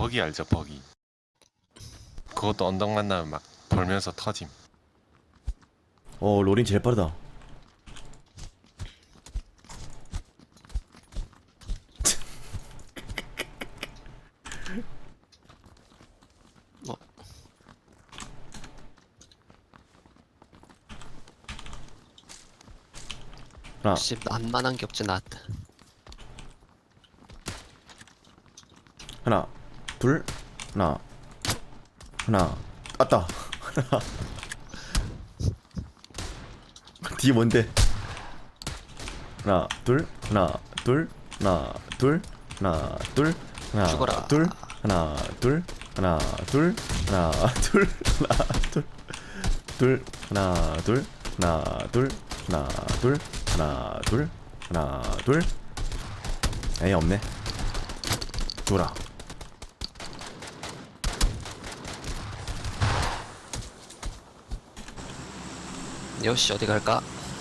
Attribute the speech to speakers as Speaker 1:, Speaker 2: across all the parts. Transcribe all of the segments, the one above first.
Speaker 1: 버기 알죠? 버기. 그것도 언덕 만나면 막 돌면서 터짐.
Speaker 2: 로린 제일 빠르다.
Speaker 3: 어,
Speaker 2: 하나,
Speaker 3: 역시 만만한 게 없지 나한테.
Speaker 2: 하나, 둘, 하나, 하나. 왔다. 뒤에 뭔데? 하나, 둘, 하나, 둘, 하나, 둘, 하나, 둘, 하나,
Speaker 3: 죽어라.
Speaker 2: 둘, 하나, 둘, 하나, 둘, 하나, 둘, 하나, 둘, 둘, 하나, 둘, 하나, 둘, 하나, 둘, 하나, 둘, 하나, 둘. 에이, 없네. 죽어라.
Speaker 3: 요시 어디 갈까?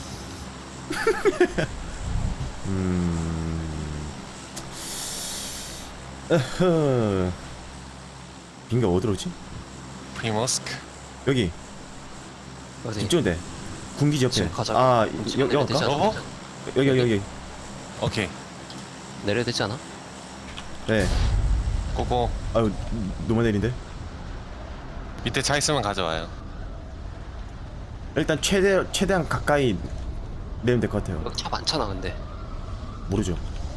Speaker 2: 빙가 어디로 오지?
Speaker 1: 프리모스크.
Speaker 2: 여기
Speaker 3: 어디?
Speaker 2: 이쪽인데 군기지 옆에.
Speaker 3: 지금 가자고.
Speaker 2: 아
Speaker 3: 지금
Speaker 2: 여기
Speaker 3: 내려야 되지
Speaker 2: 갈까?
Speaker 3: 않아?
Speaker 1: 어?
Speaker 2: 여기.
Speaker 1: 오케이.
Speaker 3: 내려야 되지 않아?
Speaker 2: 네.
Speaker 1: 고고.
Speaker 2: 아유 너무 내린데.
Speaker 1: 밑에 차 있으면 가져와요.
Speaker 2: 일단 최대한 가까이 내면 될 것 같아요.
Speaker 3: 여기 차 많잖아 근데.
Speaker 2: 모르죠.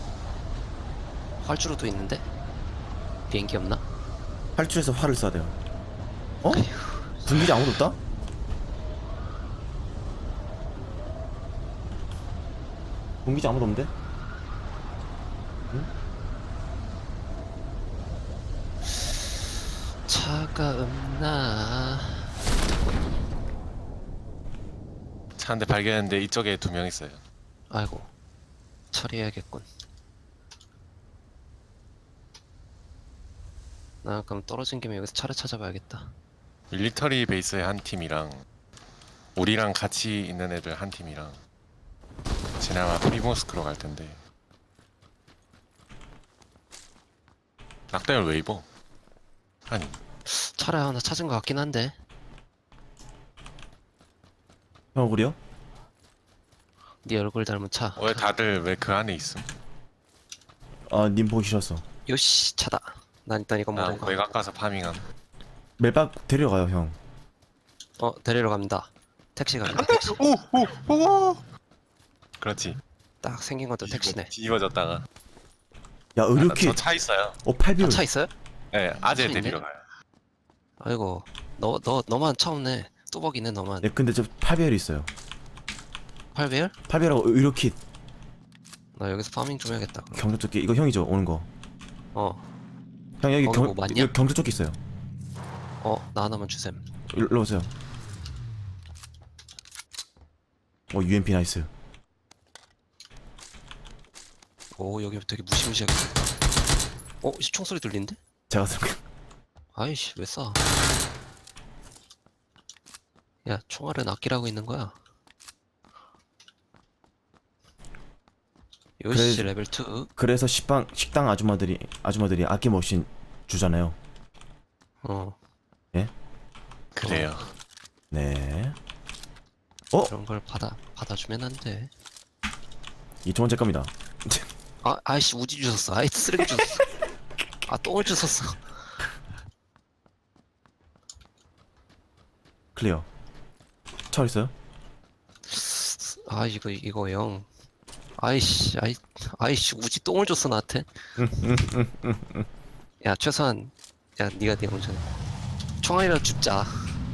Speaker 3: 활주로도 있는데? 비행기 없나?
Speaker 2: 활주에서 활을 쏴야 돼요. 어? 군기지 아무도 없다? 군기지 아무도 없는데?
Speaker 3: 차가 없나?
Speaker 1: 차 한 대 발견했는데 이쪽에 2명 있어요.
Speaker 3: 아이고 처리해야겠군. 나 그럼 떨어진 김에 여기서 차를 찾아봐야겠다.
Speaker 1: 밀리터리 베이스의 한 팀이랑 우리랑 같이 있는 애들 한 팀이랑 쟤네 아마 프리모스크로 갈 텐데. 낙대를 왜 입어? 아니
Speaker 3: 차를 하나 찾은 것 같긴 한데.
Speaker 2: 형 우리요?
Speaker 3: 네 얼굴 닮은 차.
Speaker 1: 왜 다들 왜 그 안에 있음?
Speaker 2: 아 님 보기 싫었어.
Speaker 3: 요시 차다. 난 일단 이거
Speaker 1: 나
Speaker 3: 먹어.
Speaker 1: 외곽 가서 파밍함.
Speaker 2: 멜박 데려가요 형.
Speaker 3: 데리러 갑니다. 택시 갑니다. 택시.
Speaker 1: 오오오. 그렇지.
Speaker 3: 딱 생긴 것도 택시네.
Speaker 1: 뒤집어졌다가.
Speaker 2: 야 의료킷.
Speaker 1: 저 차 있어요.
Speaker 2: 8비율.
Speaker 3: 차 있어요?
Speaker 1: 네, 아재
Speaker 3: 차 있네?
Speaker 1: 데리러 가요.
Speaker 3: 아이고 너만 차 없네. 뚜벅이네 너만.
Speaker 2: 네 근데 저 8비율 있어요.
Speaker 3: 8배열?
Speaker 2: 8비율하고 의료킷.
Speaker 3: 나 여기서 파밍 좀 해야겠다. 그럼.
Speaker 2: 경찰조끼 이거 형이죠 오는 거. 형 여기
Speaker 3: 거기 뭐 맞냐?
Speaker 2: 여기 경찰조끼 있어요.
Speaker 3: 나 하나만 주셈.
Speaker 2: 일로 오세요. UMP 나이스.
Speaker 3: 오 여기 되게 무시무시하게. 총소리 들리는데?
Speaker 2: 제가
Speaker 3: 아이씨 왜 쏴? 야 총알은 아끼라고 있는 거야. 요시
Speaker 2: 그래-
Speaker 3: 레벨 2.
Speaker 2: 그래서 식당 아줌마들이 아낌없이 주잖아요.
Speaker 1: 그래요.
Speaker 2: 네.
Speaker 3: 그런 걸 받아주면 안 돼.
Speaker 2: 이 두 번째 겁니다.
Speaker 3: 아이씨 우지 주웠어. 아이 쓰레기 주웠어. 똥을 주웠어.
Speaker 2: 클리어. 차 있어요?
Speaker 3: 이거 영. 아이씨 우지 똥을 줬어 나한테. 야 최소한 네가 운전해. 총알이라도 줍자.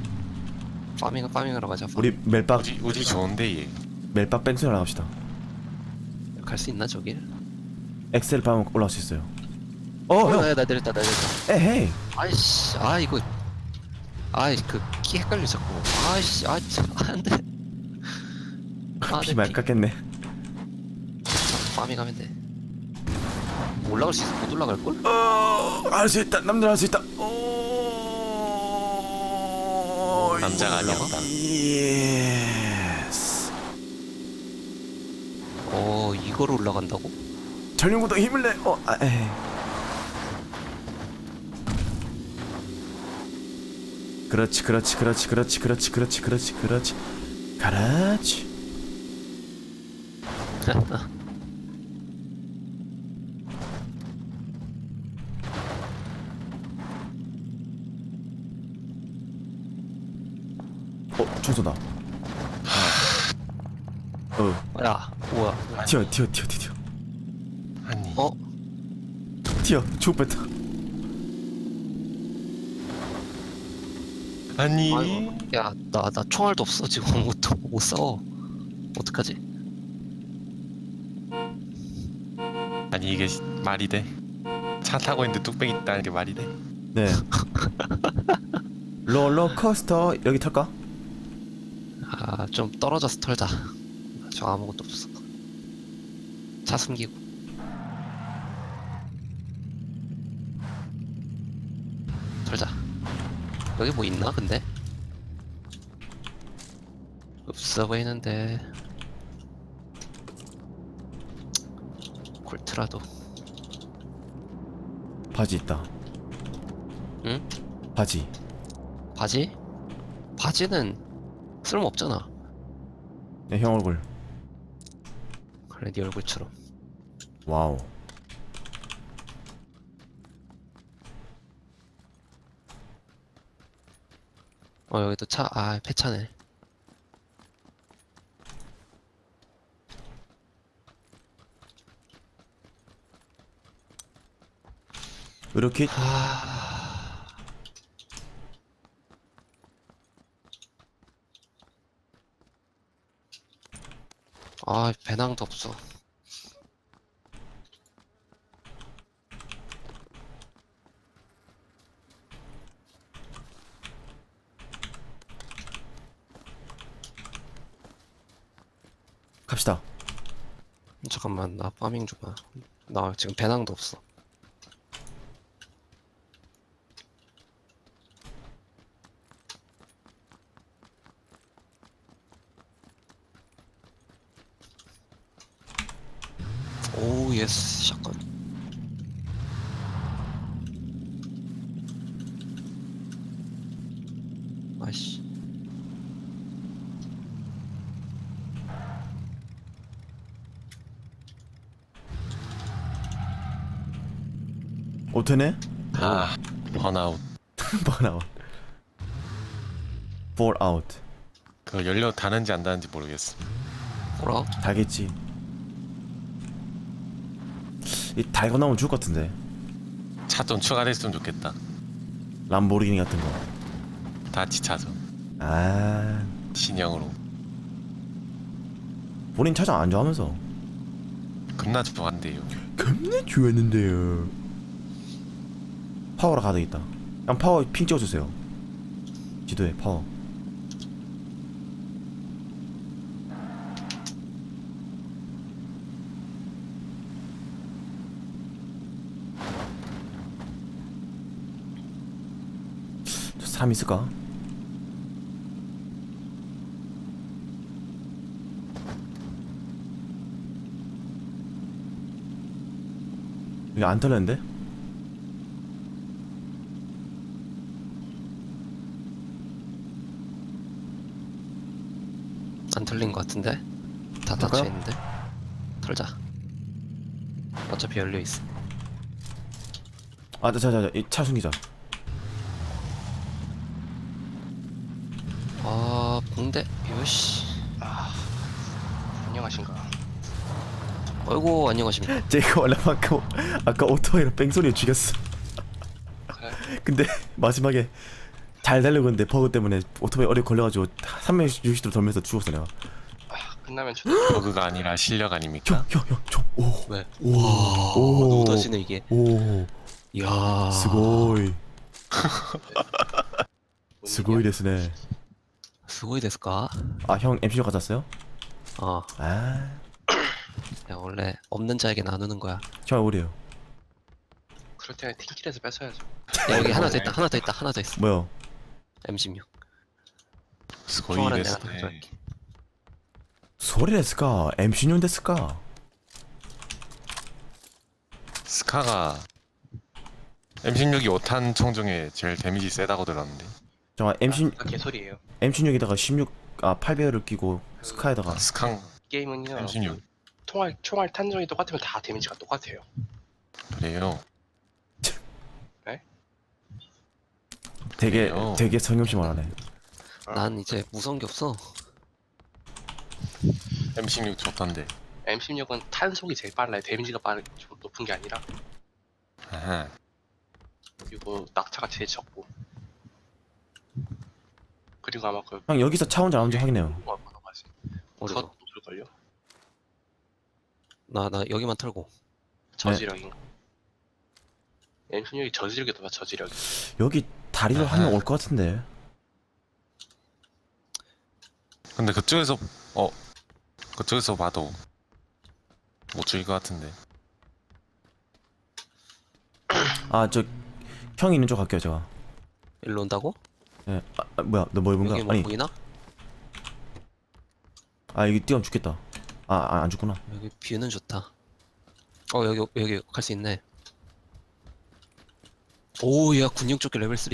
Speaker 3: 파밍하러 가자.
Speaker 2: 우리 멜박
Speaker 1: 우지 좋은데 얘.
Speaker 2: 멜박 뺑소니 나갑시다.
Speaker 3: 갈 수 있나 저길?
Speaker 2: 엑셀 밟으면 올라올 수 있어요. 형.
Speaker 3: 나 내렸다.
Speaker 2: 에헤이.
Speaker 3: 아이씨 이거 그 키 헷갈려 자꾸. 아이씨 안돼.
Speaker 2: 피 많이 깎겠네.
Speaker 3: 파밍하면 돼. 올라갈 수 있어? 못 올라갈 걸?
Speaker 2: 할 수 있다. 남들 할 수 있다.
Speaker 1: 남자가 아니었다.
Speaker 2: 예스.
Speaker 3: 이거로 올라간다고?
Speaker 2: 전륜구동 힘을 내. 에이. 그렇지 그렇지 그렇지 그렇지 그렇지 그렇지 그렇지 그렇지 그렇지. 충소다.
Speaker 3: 야 뭐야?
Speaker 2: 튀어.
Speaker 1: 아니
Speaker 3: 어?
Speaker 2: 튀어. 죽을 뺐다.
Speaker 1: 아니
Speaker 3: 아이고, 야, 나 총알도 없어 지금. 못 싸워. 어떡하지?
Speaker 1: 아니 이게 말이 돼? 차 타고 있는데 뚝배기 있다는 게 말이 돼?
Speaker 2: 네. 롤러코스터 여기 탈까?
Speaker 3: 아, 좀 떨어져서 털자. 저 아무것도 없어. 차 숨기고. 털자. 여기 뭐 있나 근데? 없어 보이는데. 콜트라도.
Speaker 2: 바지 있다.
Speaker 3: 응?
Speaker 2: 바지.
Speaker 3: 바지? 바지는 쓸모 없잖아.
Speaker 2: 네, 형 얼굴.
Speaker 3: 그래, 네 얼굴처럼.
Speaker 2: 와우.
Speaker 3: 여기도 차. 아, 폐차네.
Speaker 2: 이렇게
Speaker 3: 아, 배낭도 없어.
Speaker 2: 갑시다.
Speaker 3: 잠깐만, 나 파밍 좀 봐. 나 지금 배낭도 없어. 오, 예스, 샷건. 아이씨.
Speaker 2: 오테네?
Speaker 1: 아 번아웃.
Speaker 2: 번아웃. fall out.
Speaker 1: 그 연료 다는지 안 다는지 모르겠어.
Speaker 3: 뭐라?
Speaker 2: 달겠지. 이 달고 나오면 죽을 것 같은데.
Speaker 1: 차 좀 추가됐으면 좋겠다.
Speaker 2: 람보르기니 같은 거.
Speaker 1: 다치 차죠.
Speaker 2: 아,
Speaker 1: 신형으로.
Speaker 2: 본인 차장 안 좋아하면서.
Speaker 1: 겁나 좋아한대요.
Speaker 2: 겁나 좋았는데요. 파워라 가득 있다. 그냥 파워 핑 찍어주세요. 지도에 파워. 저 사람 있을까? 여기 안 털렸는데?
Speaker 3: 안 털린 것 같은데? 다
Speaker 2: 털까요?
Speaker 3: 닫혀 있는데? 털자. 어차피 열려 있어.
Speaker 2: 아, 이 차 숨기자.
Speaker 3: 아, 붕대. 요시.
Speaker 4: 안녕하신가.
Speaker 3: 어이구, 안녕하십니까.
Speaker 2: 제가 원래 아까 오토바이로 뺑소니를 죽였어.
Speaker 4: 그래?
Speaker 2: 근데 마지막에 잘 달리고 있는데 버그 때문에 오토바이 어려 걸려가지고 360도 돌면서 죽었어 내가.
Speaker 4: 끝나면
Speaker 1: 버그가 아니라 실력 아닙니까?
Speaker 2: 오,
Speaker 3: 왜?
Speaker 2: 오,
Speaker 3: 와,
Speaker 2: 오.
Speaker 3: 너무 터지네, 이게.
Speaker 2: 오,
Speaker 3: 이야.
Speaker 2: 스고이, 스고이 데스네.
Speaker 3: 스고이 됐을까?
Speaker 2: 아, 형 MC로 가졌어요?
Speaker 3: 어.
Speaker 2: 아,
Speaker 3: 야, 원래 없는 자에게 나누는 거야.
Speaker 2: 형 우리요.
Speaker 4: 그럴 때는 팀킬에서 뺏어야죠.
Speaker 3: 야, 여기 하나 더 있다, 하나 더 있다, 하나 더 있어.
Speaker 2: 뭐요?
Speaker 3: M16.
Speaker 1: 스고이
Speaker 3: 총알은
Speaker 1: 데스.
Speaker 3: 내가 가져갈게.
Speaker 2: 소리 데스까? MC용 데스까?
Speaker 1: 스카가 M16이 5탄 총 중에 제일 데미지 세다고 들었는데.
Speaker 2: 잠깐 M16
Speaker 4: 아, 개소리예요.
Speaker 2: M16에다가 8배율을 끼고 스카에다가
Speaker 1: 스캉
Speaker 4: 게임은요.
Speaker 1: M16
Speaker 4: 총알 탄정이 똑같으면 다 데미지가 똑같아요.
Speaker 1: 그래요.
Speaker 2: 되게
Speaker 1: 그래요?
Speaker 2: 되게 성경씨 말하네.
Speaker 3: 난 이제 무서운 게 없어.
Speaker 1: M16 좋던데.
Speaker 4: M16은 탄속이 제일 빨라요. 데미지가 좀 높은 게 아니라.
Speaker 1: 아하.
Speaker 4: 그리고 낙차가 제일 적고. 그리고 아마 그
Speaker 2: 형 여기서 차 혼자 나온지 확인해요.
Speaker 4: 뭐가 많아가지.
Speaker 3: 어디로?
Speaker 4: 그것 돌걸요?
Speaker 3: 나 여기만 털고.
Speaker 4: 저지력이. M16이 저지력이 더 저지력이.
Speaker 2: 여기 다리로 한 명 올 것 같은데.
Speaker 1: 근데 그쪽에서 봐도 못 죽일 것 같은데.
Speaker 2: 아 저 형이 있는 쪽 갈게요 제가.
Speaker 3: 일로 온다고?
Speaker 2: 예. 뭐야 너 뭐 입은 거야?
Speaker 3: 여기 뭐
Speaker 2: 아니
Speaker 3: 보이나?
Speaker 2: 여기 뛰어면 죽겠다. 안 죽구나.
Speaker 3: 여기 뷰는 좋다. 여기 갈 수 있네. 오, 야 군용 조끼 레벨 3.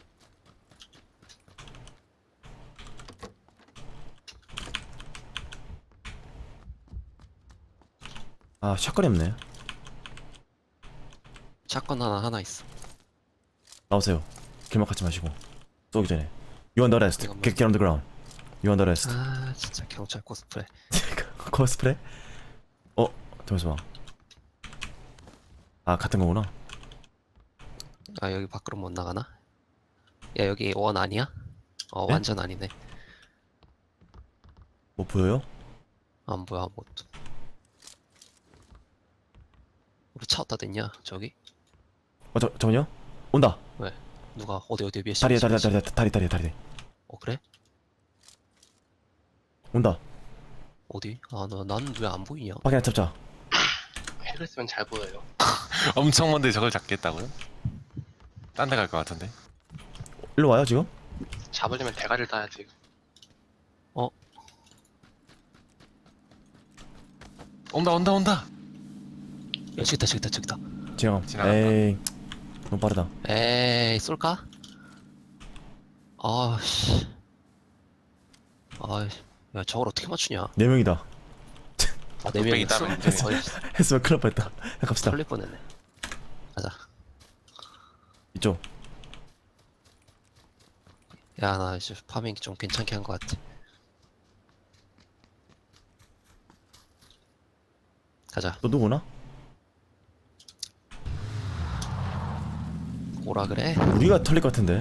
Speaker 2: 샷건이 없네.
Speaker 3: 샷건 하나 있어.
Speaker 2: 나오세요. 길막 갖지 마시고 쏘기 전에. You under arrest.
Speaker 3: 이건 뭐-
Speaker 2: Get on the ground. You under arrest.
Speaker 3: 아 진짜 경찰 코스프레.
Speaker 2: 코스프레? 잠시만. 같은 거구나.
Speaker 3: 아 여기 밖으로 못 나가나? 야 여기 원 아니야?
Speaker 2: 네?
Speaker 3: 완전 아니네.
Speaker 2: 뭐 보여요?
Speaker 3: 안 보여 아무것도. 우리 차 어디다 댔냐 저기?
Speaker 2: 잠깐만요. 온다.
Speaker 3: 누가 어디 몇 시?
Speaker 2: 다리에
Speaker 3: 몇 시?
Speaker 2: 다리.
Speaker 3: 그래?
Speaker 2: 온다.
Speaker 3: 어디? 나는 왜 안 보이냐?
Speaker 2: 확인 잡자.
Speaker 4: 핵을 쓰면 잘 보여요.
Speaker 1: 엄청 먼데 저걸 잡겠다고요? 딴 데 갈 것 같은데.
Speaker 2: 일로 와요 지금?
Speaker 4: 잡으려면 대가리를 따야지.
Speaker 1: 온다.
Speaker 3: 야 저기다.
Speaker 2: 지금.
Speaker 1: 지나갔다.
Speaker 2: 에이 너무 빠르다.
Speaker 3: 에이 쏠까? 아씨. 야 저걸 어떻게 맞추냐?
Speaker 2: 4명이다.
Speaker 3: 아, 네
Speaker 1: 뚝배기
Speaker 3: 명이었어?
Speaker 1: 따면 이제
Speaker 3: 거의
Speaker 2: 했으면 큰일 날 뻔했다. 갑시다.
Speaker 3: 털릴 뻔했네. 가자.
Speaker 2: 이쪽.
Speaker 3: 야 나 이제 파밍 좀 괜찮게 한 것 같아. 가자.
Speaker 2: 또 누구나?
Speaker 3: 오라 그래?
Speaker 2: 우리가 털릴 것 같은데.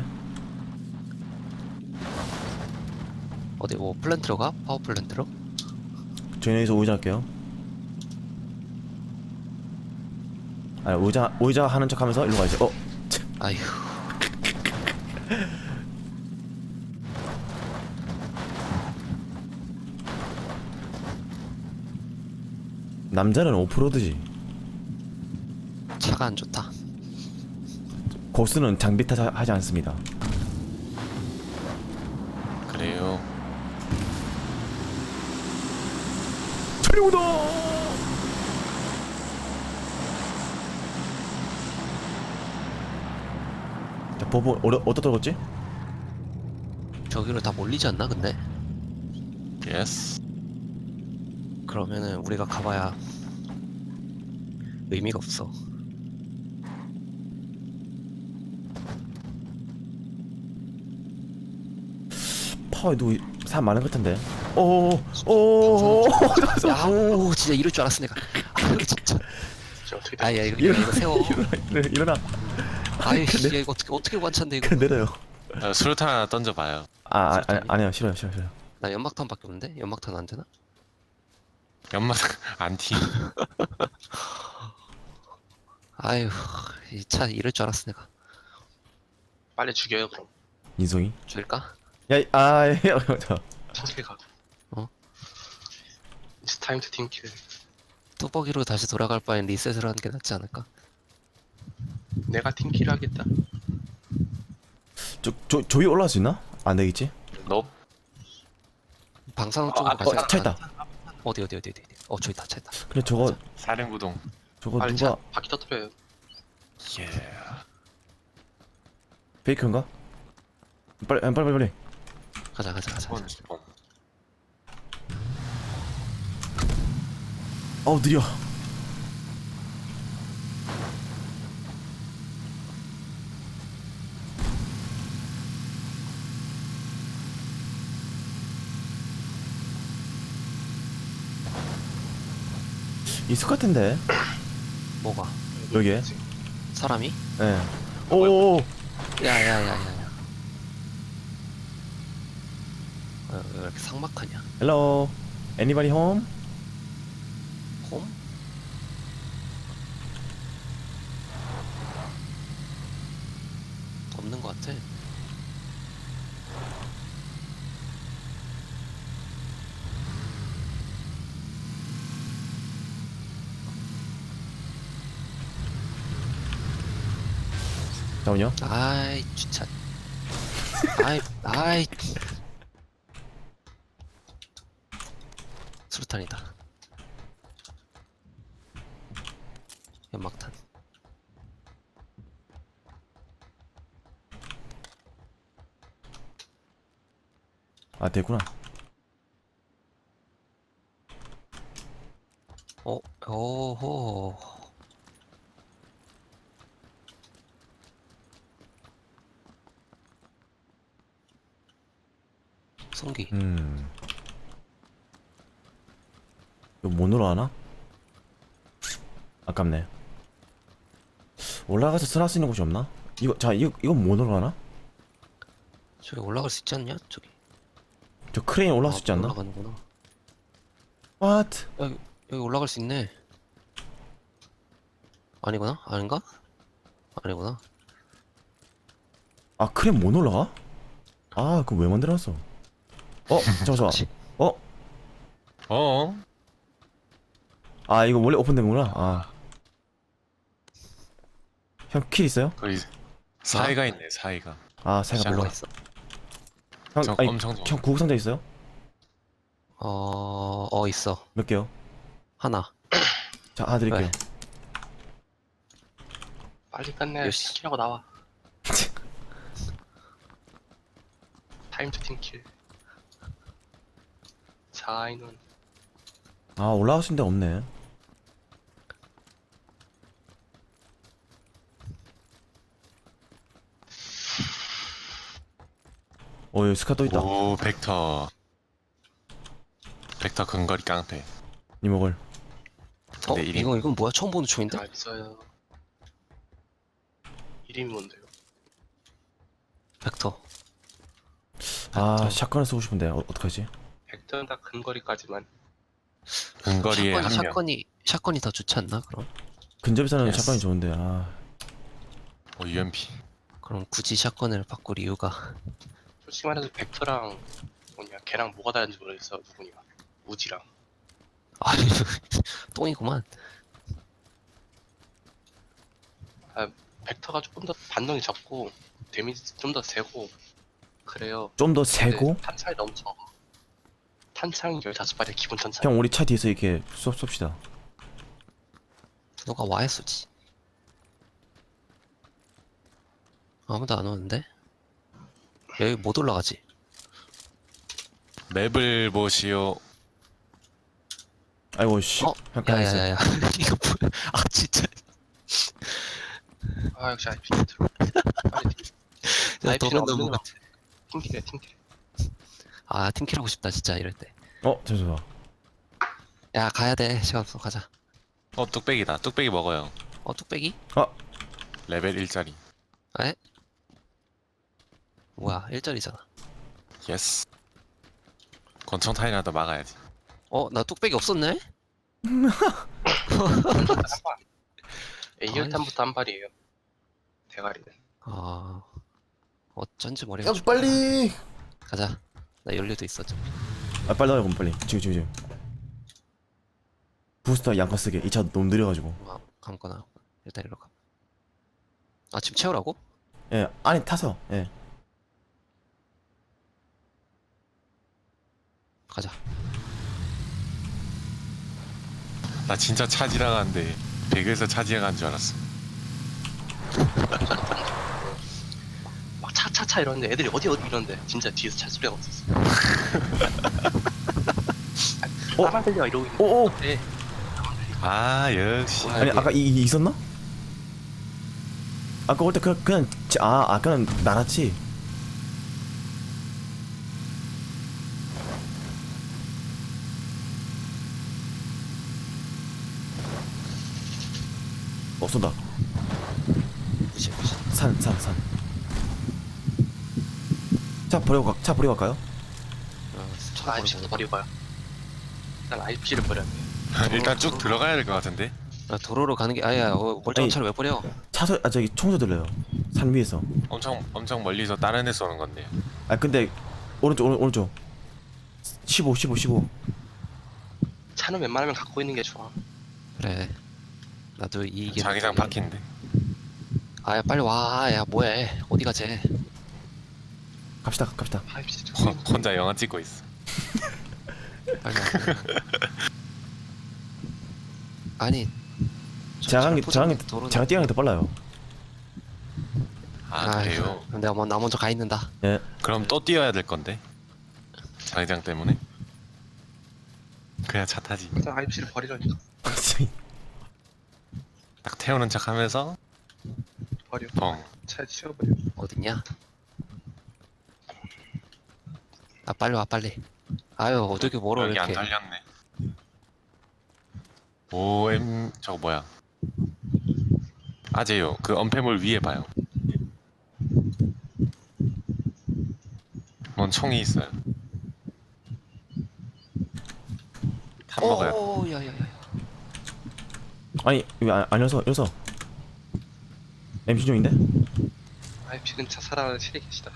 Speaker 3: 어디 뭐 플랜트로 가? 파워 플랜트로?
Speaker 2: 저희 여기서 오이자 할게요. 오이자 하는 척 하면서 일로 가야지.
Speaker 3: 아휴.
Speaker 2: 남자는 오프로드지.
Speaker 3: 차가 안 좋다.
Speaker 2: 고수는 장비 탓하지 않습니다.
Speaker 1: 그래요.
Speaker 2: 차려오다. 자, 버버 어디다 떨궜지?
Speaker 3: 저기로 다 몰리지 않나 근데?
Speaker 1: 예스.
Speaker 3: 그러면은 우리가 가봐야 의미가 없어.
Speaker 2: 파워에 누구 사람 많은 것 같은데. 오오오오.
Speaker 3: 야오 진짜 이럴 줄 알았어 내가. 아 이거 진짜.
Speaker 4: 저 어떻게
Speaker 3: 아야 이거 세워.
Speaker 2: 일어나.
Speaker 3: 아유 씨 이거 어떻게 관찬데 이거.
Speaker 2: 내려요.
Speaker 1: 수류탄 하나 던져봐요.
Speaker 2: 아니요 싫어요.
Speaker 3: 나 연막탄밖에 없는데? 연막탄 안 되나?
Speaker 1: 연막 안티.
Speaker 3: 아유 이 차 이럴 줄 알았어 내가.
Speaker 4: 빨리 죽여요 그럼.
Speaker 2: 인성이.
Speaker 3: 죽일까?
Speaker 4: 팀킬 가.
Speaker 3: 어?
Speaker 4: It's time to 팀킬.
Speaker 3: 뚜벅이로 다시 돌아갈 바엔 리셋을 하는 게 낫지 않을까?
Speaker 4: 내가 팀킬 하겠다.
Speaker 2: 조이 올라갈 수 있나? 안 되겠지?
Speaker 1: 너
Speaker 3: 방사능 쪽으로 가자.
Speaker 2: 차 있다.
Speaker 3: 어디 저기 있다 차 있다.
Speaker 2: 근데 저거
Speaker 1: 사령구동.
Speaker 4: 빨리
Speaker 2: 누가
Speaker 4: 바퀴 터뜨려요.
Speaker 1: 예.
Speaker 2: 페이크인가? 빨리.
Speaker 3: 가자.
Speaker 2: 어우 느려. 있을 것 같은데
Speaker 3: 뭐가?
Speaker 2: 여기에.
Speaker 3: 사람이?
Speaker 2: 예. 오오오.
Speaker 3: 야야야야야. 왜 이렇게 삭막하냐?
Speaker 2: Hello. Anybody home?
Speaker 3: 홈? 없는 것 같아.
Speaker 2: 잠깐만요.
Speaker 3: 아이 주차. 아이. 수류탄이다. 연막탄.
Speaker 2: 아 됐구나.
Speaker 3: 오호. 송기.
Speaker 2: 이거 못 올라가나? 아깝네. 올라가서 쓸 수 있는 곳이 없나? 이거 못 올라가나?
Speaker 3: 저기 올라갈 수 있지 않냐? 저기.
Speaker 2: 저 크레인 올라갈 수 있지 않나?
Speaker 3: 올라가는구나.
Speaker 2: What?
Speaker 3: 여기 올라갈 수 있네. 아니구나? 아닌가? 아니구나.
Speaker 2: 아 크레인 못 올라가? 아 그거 왜 만들어놨어? 잠깐만.
Speaker 3: 그치.
Speaker 1: 어?
Speaker 2: 아 이거 원래 오픈된 거구나. 아. 형 킬 있어요?
Speaker 1: 거기 사이가 있네 사이가.
Speaker 2: 아 사이가
Speaker 1: 샬롯.
Speaker 2: 몰라.
Speaker 3: 뭐가 있어?
Speaker 2: 형 아니
Speaker 1: 엄청 좋아.
Speaker 2: 형 구급상자 있어요?
Speaker 3: 있어.
Speaker 2: 몇 개요?
Speaker 3: 하나.
Speaker 2: 자 하나 드릴게요.
Speaker 3: 왜?
Speaker 4: 빨리 끝내.
Speaker 3: 요시.
Speaker 4: 팀킬하고 나와. 타임 투 팀킬. 자인은
Speaker 2: 아 올라갈 수 있는 데 없네. 여기 스카 또 있다.
Speaker 1: 오 벡터 근거리 깡패.
Speaker 2: 이목을.
Speaker 1: 근데 이름
Speaker 3: 이건 뭐야? 처음 보는 총인데?
Speaker 4: 다 있어요. 이름이 뭔데요?
Speaker 3: 벡터.
Speaker 2: 아 샷건을 쓰고 싶은데 어떡하지?
Speaker 4: 벡터는 다 근거리까지만.
Speaker 1: 근거리에 한 명.
Speaker 3: 샷건이 더 좋지 않나? 그럼
Speaker 2: 근접에서는
Speaker 1: 예스.
Speaker 2: 샷건이 좋은데 아
Speaker 1: UMP.
Speaker 3: 그럼 굳이 샷건을 바꿀 이유가
Speaker 4: 솔직히 말해서 벡터랑 뭐냐 걔랑 뭐가 다른지 모르겠어. 누구냐? 우지랑.
Speaker 3: 아니 똥이구만.
Speaker 4: 벡터가 조금 더 반동이 적고 데미지 좀 더 세고 그래요.
Speaker 2: 좀 더
Speaker 4: 근데
Speaker 2: 세고.
Speaker 4: 탄창이 너무 적어. 탄창이 15발의 기본 탄창.
Speaker 2: 형 우리 차 뒤에서 이렇게 쏩시다.
Speaker 3: 누가 와야 쏘지. 아무도 안 오는데? 여기 못 올라가지.
Speaker 1: 맵을 보시오.
Speaker 2: 아이고 씨. 형 가만있어.
Speaker 3: 야야야야. 이거 뭐야? 아 진짜.
Speaker 4: 아 역시 IP 들어. 빨리
Speaker 3: 야,
Speaker 4: IP
Speaker 3: 도는
Speaker 4: 없는
Speaker 3: 너무
Speaker 4: 거
Speaker 3: 같아.
Speaker 4: 팀킬해 팀킬.
Speaker 3: 아 팀킬하고 싶다 진짜 이럴 때.
Speaker 2: 잠시만.
Speaker 3: 야 가야 돼. 시간 없어. 가자.
Speaker 1: 뚝배기다. 뚝배기 먹어요.
Speaker 3: 뚝배기?
Speaker 1: 레벨 1짜리.
Speaker 3: 에? 뭐야 1짜리잖아.
Speaker 1: 예스. 권총 타이라도 막아야지.
Speaker 3: 나 뚝배기 없었네?
Speaker 4: A열탄부터 한 발이에요. 대가리는.
Speaker 3: 어쩐지 머리가
Speaker 2: 형 빨리.
Speaker 3: 가자. 나 연료도 있어 좀.
Speaker 2: 빨리 나가 그럼 빨리. 지금. 부스터 양껏 쓰게. 이 차 너무 느려가지고.
Speaker 3: 감거나 일단 이리로 가. 지금 채우라고?
Speaker 2: 예 안에 타서 예.
Speaker 3: 가자.
Speaker 1: 나 진짜 차 지나가는데 배그에서 차 지나가는 줄 알았어.
Speaker 4: 막 차 차차차 이러는데 애들이 어디 이러는데 진짜 뒤에서 차 소리가 없었어. 나만 들려 이러고 있는데
Speaker 2: 오오.
Speaker 4: 네.
Speaker 1: 아 역시.
Speaker 3: 와,
Speaker 2: 아니
Speaker 3: 이게-
Speaker 2: 아까 있었나? 아까 올 때 그냥 아까는 나갔지. 쏜다.
Speaker 3: 무시 무시.
Speaker 2: 산. 차 버리고 갈까요?
Speaker 3: 차
Speaker 4: IPC도 버리고 가요. 일단 IPC를 버려야 돼.
Speaker 1: 일단 쭉 들어가야 될 것 같은데.
Speaker 3: 도로로 가는 게 아야. 멀쩡한
Speaker 2: 아니.
Speaker 3: 차를 왜 버려?
Speaker 2: 저기 총소 들려요. 산 위에서.
Speaker 1: 엄청 멀리서 다른 애 쏘는 건데.
Speaker 2: 아 근데 오른쪽 15
Speaker 4: 차는 웬만하면 갖고 있는 게 좋아.
Speaker 3: 그래. 나도 이 이게.
Speaker 1: 자기장 바뀐데.
Speaker 3: 아야 빨리 와. 야 뭐해? 어디 가재?
Speaker 2: 갑시다
Speaker 4: IPC
Speaker 1: 혼자 영화 찍고 있어.
Speaker 3: 빨리 와. 아니.
Speaker 2: 제가
Speaker 3: 도로.
Speaker 2: 뛰어가는 게 더 빨라요.
Speaker 1: 아 그래요?
Speaker 3: 그럼 내가 나 먼저 가 있는다.
Speaker 2: 예.
Speaker 1: 그럼 또 뛰어야 될 건데. 자기장 때문에. 그냥 차 타지.
Speaker 4: 일단 IPC를 버리려니까
Speaker 1: 딱 태우는 척하면서
Speaker 4: 버려.
Speaker 1: 뻥.
Speaker 4: 차에 치워버려.
Speaker 3: 어딨냐? 아 빨리 와 빨리. 아유 어떻게 멀어
Speaker 1: 여기 안
Speaker 3: 이렇게.
Speaker 1: 달렸네. OM 저거 뭐야? 아재요. 그 엄폐물 위에 봐요. 뭔 총이 있어요. 탑 먹어요.
Speaker 3: 오 야야야.
Speaker 2: 아니 아니어서 MC 중인데?
Speaker 4: IPC 근처 살아가는 실이 계시다.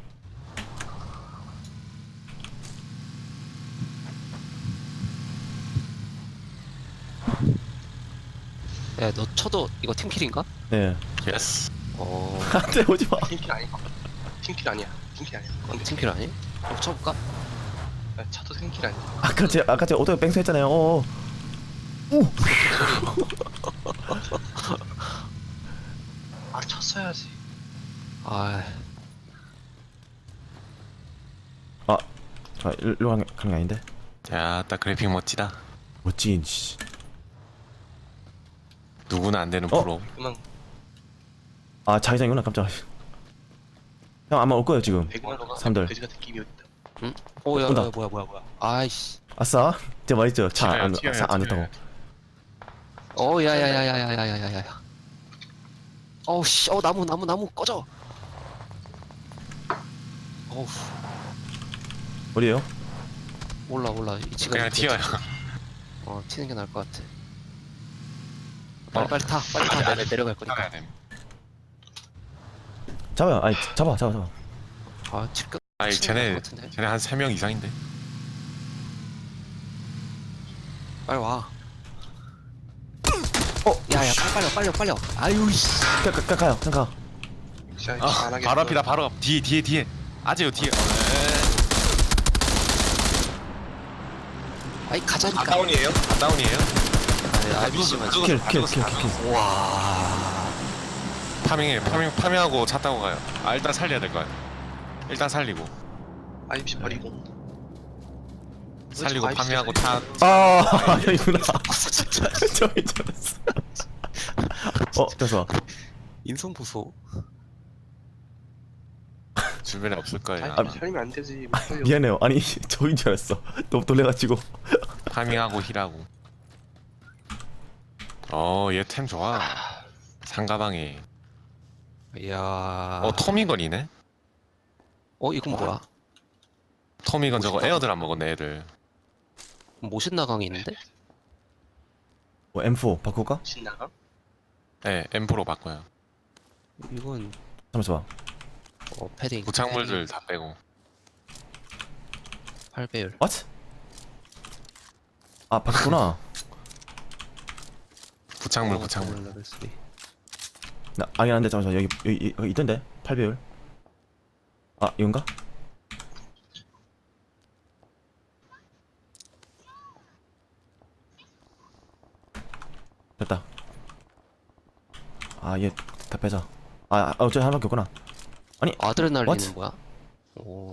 Speaker 3: 야너 쳐도 이거 팀킬인가?
Speaker 2: 예.
Speaker 1: 예스.
Speaker 2: 안돼 오지 마.
Speaker 4: 팀킬 아니야. 팀킬 아니야. 팀킬 아니야. 근데
Speaker 3: 팀킬 아니? 한번 쳐볼까?
Speaker 4: 차도 팀킬 아니야.
Speaker 2: 아까 제가 오토에 뺑소 했잖아요. 오.
Speaker 4: 아 쳤어야지.
Speaker 3: 아
Speaker 2: 일로 가는 게 아닌데.
Speaker 1: 야, 딱 그래픽 멋지다.
Speaker 2: 멋진 씨.
Speaker 1: 누구나 안 되는
Speaker 2: 어?
Speaker 1: 프로.
Speaker 4: 그만
Speaker 2: 아 자기장이구나 깜짝. 형 아마 올 거예요 지금.
Speaker 4: 배그만
Speaker 2: 삼들.
Speaker 4: 그지 같은 끼미 있다.
Speaker 3: 오야
Speaker 2: 온다.
Speaker 3: 뭐야. 아이씨.
Speaker 2: 아싸. 진짜 맛있죠. 차안
Speaker 1: 튀어요,
Speaker 2: 안
Speaker 1: 튀어요.
Speaker 2: 됐다고.
Speaker 3: 오 야야야야야야야야야. 어우 씨. 나무 꺼져. 어우
Speaker 2: 어디에요?
Speaker 3: 몰라 이 지금
Speaker 1: 그냥 튀어요.
Speaker 3: 튀는 게 나을 것 같아. 빨리 타. 내가 내려갈 거니까.
Speaker 1: 튀어야 돼.
Speaker 2: 잡아요. 아니 잡아.
Speaker 3: 아 지금.
Speaker 1: 아니 쟤네
Speaker 3: 같은데?
Speaker 1: 한 3명 이상인데.
Speaker 3: 빨리 와. 야야 빨리 와. 아유 씨.
Speaker 2: 가요. 형 가.
Speaker 4: 역시 IPC 안 하겠어.
Speaker 1: 바로 앞이다. 바로 앞. 뒤에. 아재요 뒤에.
Speaker 3: 아이 가자니까.
Speaker 1: 다운이에요? 다운이에요?
Speaker 3: IBC만.
Speaker 2: 킬.
Speaker 3: 와.
Speaker 1: 파밍하고 차 타고 가요. 아 일단 살려야 될 거 같아. 일단 살리고
Speaker 4: IPC 버리고.
Speaker 1: 살리고
Speaker 4: IPC
Speaker 1: 파밍하고 차.
Speaker 2: 아 형이구나.
Speaker 3: 진짜.
Speaker 2: 저기 잘했어. 됐어.
Speaker 3: 인성 보소.
Speaker 1: 주변에 없을 거예요.
Speaker 4: IPC 살리면 안 되지. 못 살려.
Speaker 2: 미안해요. 아니 저인 줄 알았어. 너무 놀래가지고.
Speaker 1: 파밍하고 힐하고. 얘 템 좋아. 상가방에.
Speaker 3: 이야.
Speaker 1: 토미건이네.
Speaker 3: 이건 뭐야?
Speaker 1: 토미건 저거 에어들 안 먹었네 애들.
Speaker 3: 모신 나강이 있는데?
Speaker 2: M4 바꿀까?
Speaker 4: 신나가?
Speaker 1: 네, M4로 바꿔요.
Speaker 3: 이건
Speaker 2: 잠깐만.
Speaker 3: 패딩.
Speaker 1: 부착물들 다 빼고.
Speaker 3: 8배율.
Speaker 2: What? 아 바꿨구나.
Speaker 1: 부착물.
Speaker 3: 레벨 3.
Speaker 2: 아니 안돼. 잠깐만. 여기 있던데. 8배율. 아 이건가? 됐다. 얘 다 빼자. 어차피 하나밖에 없구나.
Speaker 3: 아드레날린은
Speaker 2: What?
Speaker 3: 뭐야?
Speaker 4: 오.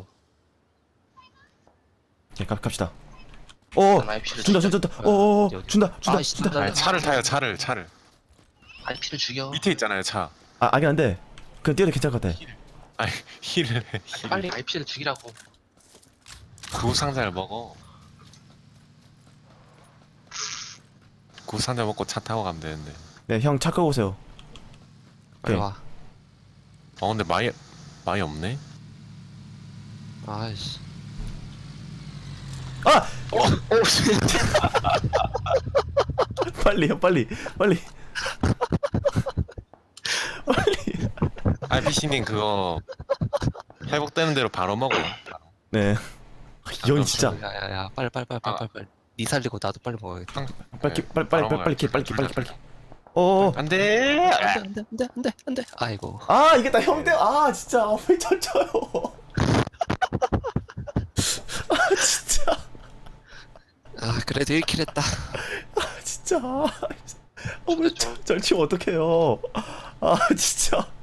Speaker 2: 네, 갑시다. 오,
Speaker 4: IP를
Speaker 2: 준다. 오,
Speaker 3: 어디, 어디?
Speaker 2: 준다.
Speaker 3: 아이씨,
Speaker 2: 준다.
Speaker 1: 아니, 차를 타요 차를.
Speaker 4: IP를 죽여.
Speaker 1: 밑에 있잖아요 차.
Speaker 2: 아, 아긴 한데. 그냥 뛰어도 괜찮을 것 같아.
Speaker 1: 아니 힐을 해.
Speaker 4: 빨리 IP를 죽이라고.
Speaker 1: 구상자를 먹어. 구상자 먹고 차 타고 가면 되는데.
Speaker 2: 네, 형 차 끄고 오세요.
Speaker 3: 빨리
Speaker 2: 네.
Speaker 3: 와.
Speaker 1: 근데 많이 없네.
Speaker 3: 아이씨.
Speaker 2: 아!
Speaker 3: 오, 씨.
Speaker 2: 빨리 형, 빨리. 빨리.
Speaker 1: RPC님 그거 회복되는 대로 바로 먹어요.
Speaker 2: 네. 이 형이 진짜
Speaker 3: 야야야, 빨리.
Speaker 1: 아.
Speaker 3: 니 살리고 나도 빨리 먹어야겠다.
Speaker 2: 빨리. 오.
Speaker 1: 안돼.
Speaker 3: 안돼. 아이고.
Speaker 2: 아, 이게 형들. 아, 진짜 왜 젖혀요? 아, 진짜.
Speaker 3: 아 그래도 1킬 했다.
Speaker 2: 진짜. 왜 절치면 어떡해요? 아, 진짜.